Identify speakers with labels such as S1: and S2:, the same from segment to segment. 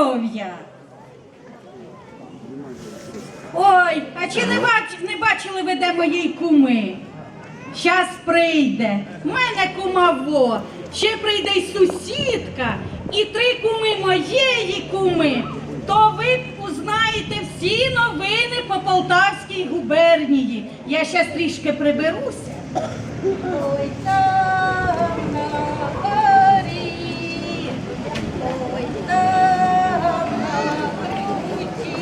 S1: здоров'я! Ой, а чи не бачили ви де моєї куми? Щас прийде. В мене кума во. Ще прийде й сусідка, і 3 куми моєї куми. То ви узнаєте всі новини по Полтавській губернії. Я щас трішки приберуся. Ой, там на горі, ой, там на круті.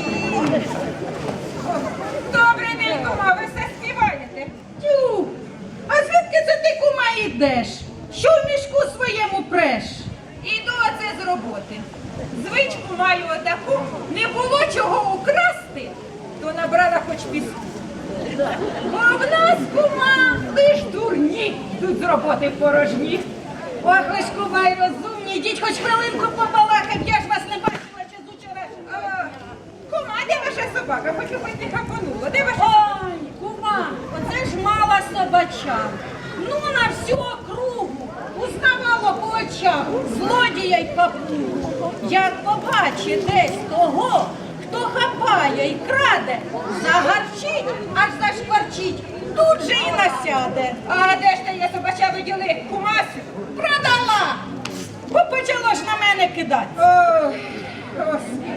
S2: Добрий день, кума, ви все співаєте?
S1: Тю, а звідки це ти, кума, йдеш? Що в мішку своєму преш?
S2: Іду оце з роботи. Звичку маю отаку, не було чого украсти, то набрала хоч піску. Бо в нас, кума, лиш дурні тут з роботи порожні.
S1: Ох, ви ж, кума, й розумні, йдіть хоч хвилинку побалакать, я ж вас не бачила ще з учора.
S2: Кума, де ваша собака? Хочу хоч не хапанула. Де ваша?
S1: Ой, кума, оце ж мала собача. Ну, на всю округу узнавала по очах злодія й папу. Як побачить десь того, хто хапає й краде, загарчить, аж зашкварчить, тут же і насяде.
S2: А де ж та я собача виділи? Кумасю?
S1: Продала! Бо почало ж на мене кидати.
S2: Ой, Господи.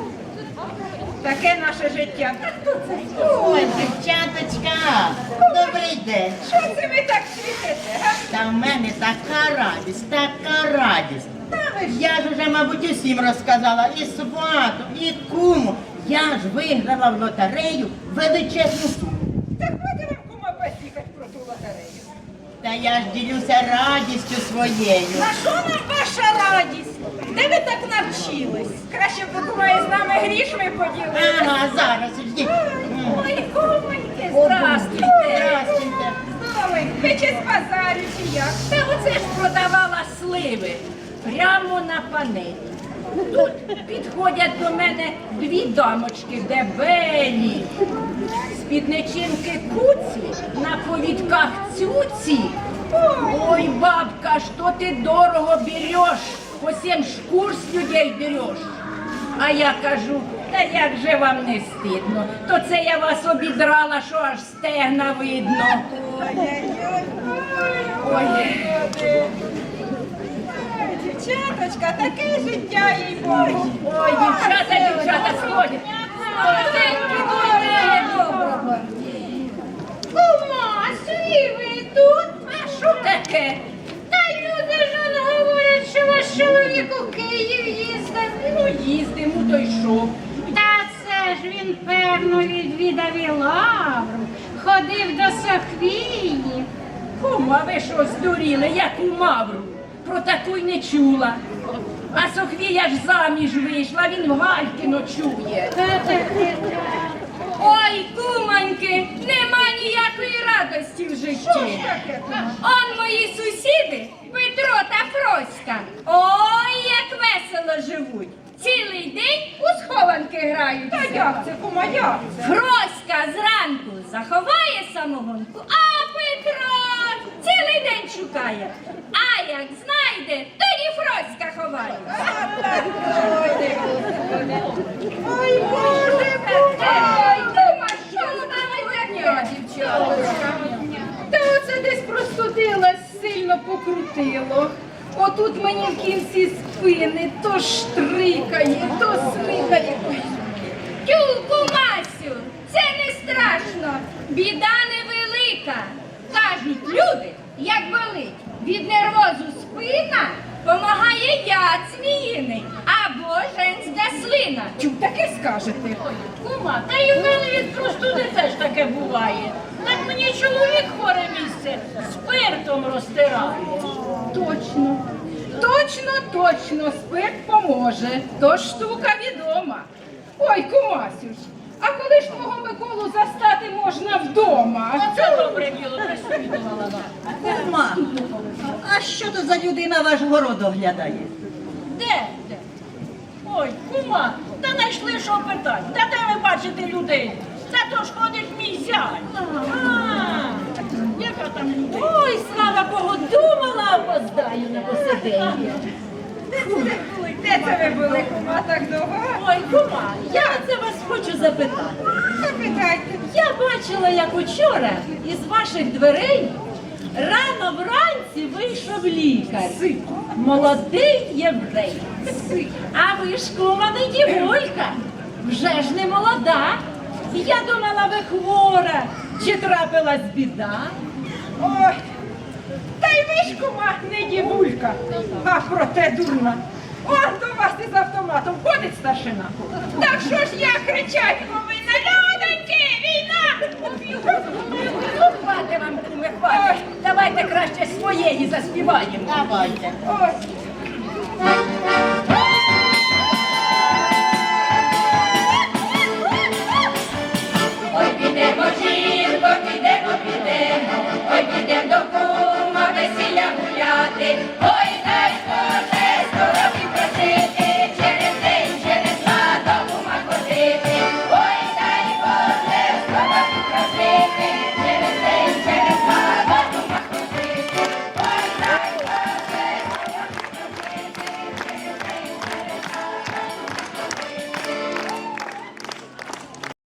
S2: Таке наше життя.
S3: Ой, дівчаточка, добрий день.
S2: Що це ви так світите, га?
S3: Та в мене така радість, така радість. Я ж уже, мабуть, усім розказала, і свату, і куму. Я ж виграла в лотерею величезну суму.
S2: Так буде вам, кума, посікать про ту лотерею.
S3: Та я ж ділюся радістю своєю.
S1: На що нам ваша радість? Де ви так навчились?
S2: Краще б ви, кума, із нами грішми поділили.
S3: Ага, зараз, ждіть.
S1: Ой, кумоньки,
S3: Здравствуйте. Здравствуйте.
S2: Ой, ви чи з базарю, чи як?
S4: Та оце ж продавала сливи прямо на панелі. Тут підходять до мене 2 дамочки дебелі, спідничинки куці, на повідках цюці. Ой, бабка, що ти дорого береш, по 7 шкур з людей береш. А я кажу, та як же вам не стидно, то це я вас обідрала, що аж стегна видно. Ой.
S2: Дівчаточка, таке життя, їй Богу.
S4: Ой, дівчата, сходять. Молоденькі, добре, доброго.
S1: Кумасю, ви тут?
S4: А що таке?
S1: Та люди ж он говорять, що ваш чоловік у Київ їздив.
S4: Ну, їздимо, то йшов.
S5: Та це ж він, певно, відвідав і Лавру, ходив до Софії.
S4: Кума, ви що, здуріли, яку мавру? Про таку й не чула. А Софія ж заміж вийшла, він в Гальки ночує. Ой, кумоньки, нема ніякої радості в житті. Он мої сусіди, Петро та Фроська. Ой, як весело живуть. Цілий день у схованки грають.
S2: Та як це, кума, як це?
S4: Фроська зранку заховає самогонку, а Петро цілий день шукає. А як знайде, тоді Фроська ховає.
S2: Ой, Боже,
S4: Ой, кума, що ви таке, дівчаточка?
S1: Та оце десь простудилась, сильно покрутило. Отут мені в кінці спини то штрикає, то смикає.
S4: Тю, кумасю, це не страшно, біда невелика. Кажуть люди, як болить від нервозу спина, помагає яд зміїний або женська слина.
S1: Чу, таке скажете.
S4: Кума, та й у мене від простуди теж таке буває. Так мені чоловік хворе місце спиртом розтирає.
S1: Точно, точно, спирт поможе. То штука відома. Ой, кумасю ж, а коли ж твого Миколу застати можна вдома?
S4: Це добре діло, присвідувала вам.
S3: Кума, а що то за людина ваш город оглядає?
S4: Де? Ой, кума, та знайшли що питати. Та де ви бачите людей? Це то ж ходить мій зять. Яка там людина? Ой, слава Богу, думала, опоздаю на посиденье.
S2: Де це ви були, кума, так довго?
S4: Ой, кума, я це вас хочу запитати.
S2: Запитайте.
S4: Я бачила, як учора із ваших дверей рано вранці вийшов лікар. Молодий єврей. А ви ж, кума, не дівулька, вже ж не молода. Я думала, ви хвора, чи трапилась біда?
S2: Ой, та й ви ж, кума, не дівулька, а проте дурна. Он до вас із автоматом ходить старшина. Так що ж я кричать повинна, людоньки, війна!
S4: Ну, хвати вам, куми, хвати. Давайте краще своєї заспіваємо.
S3: Давайте.
S2: Ось,